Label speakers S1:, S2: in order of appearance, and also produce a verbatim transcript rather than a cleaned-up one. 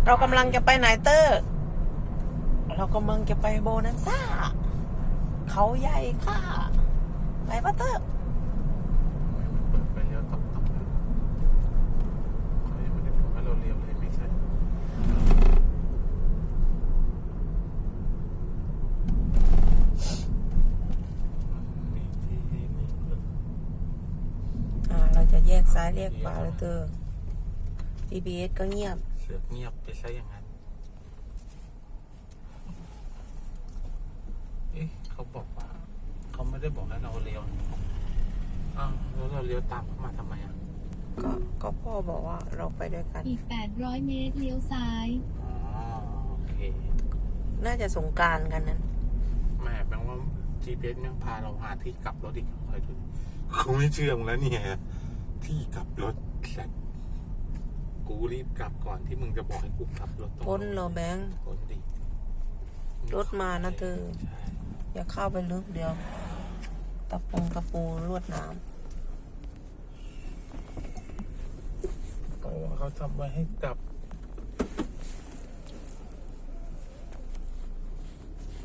S1: เรากำลังจะไปไหนเตอร์ เรากำลังจะไปโบนัสซ่าเขาใหญ่ค่ะ ไปปะเตอร์
S2: เปิดไปเลี้ยวตบตบเลยเขายังไม่ได้บอกให้เราเลี้ยวเลยไม่ใช่มีที่นี่เลย
S1: อ่า เราจะแยกซ้ายแยกขวาเลยเตอร์ จี พี เอส ก็เงียบ
S2: เสือกเงียบไปซะอย่างนั้นเอ๊ะเขาบอกว่าเขาไม่ได้บอกให้เราเลี้ยวอ้าวแล้วเราเลี้ยวตามเขามาทำไมอ่ะ
S1: ก็ก็พ่อบอกว่าเราไปด้วยกัน
S3: อีก แปดร้อย เมตร เลี้ยวซ้าย
S2: อ๋อโอเค
S1: น่าจะสงกรานต์กันนั้น
S2: แม่แปลว่า จี พี เอส ยังพาเราหาที่กลับรถอีกคอยดูเขาไม่เชื่อมึงแล้วเนี่ยที่กลับรถแซ่บกูรีบกลับก่อนที่มึงจะบอกให้กูกลับรถตรง
S1: พ้นเหรอแบงค์
S2: พ้นดิ
S1: รถมานะเธอ
S2: ใช่
S1: อย่าเข้าไปลึกเดียว ตะปงตะปูลวดน้
S2: เพราะว่าเขาทำไว้ให้กลับ